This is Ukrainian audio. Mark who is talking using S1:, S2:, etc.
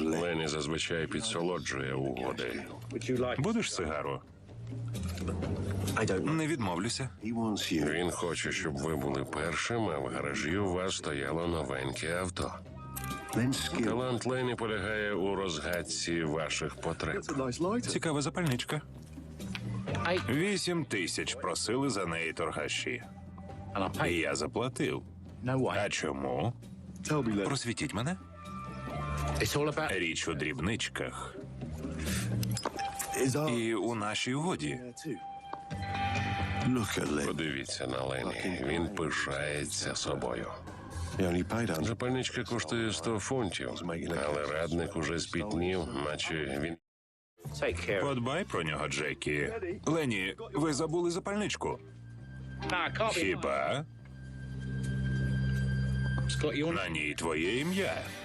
S1: Ленні зазвичай підсолоджує угоди.
S2: Будеш сигару? Не відмовлюся.
S1: Він хоче, щоб ви були першим, а в гаражі у вас стояло новеньке авто. Талант Ленні полягає у розгадці ваших потреб.
S2: Цікава запальничка. 8 тисяч просили за неї торгаші. І я заплатив. А чому? Просвітіть мене. Річ у дрібничках. І у нашій угоді.
S1: Подивіться на Ленні. Він пишається собою. Запальничка коштує 100 фунтів, але радник уже спітнів, наче він...
S2: Подбай про нього, Джекі. Ленні, ви забули запальничку? Хіба? На ній твоє ім'я.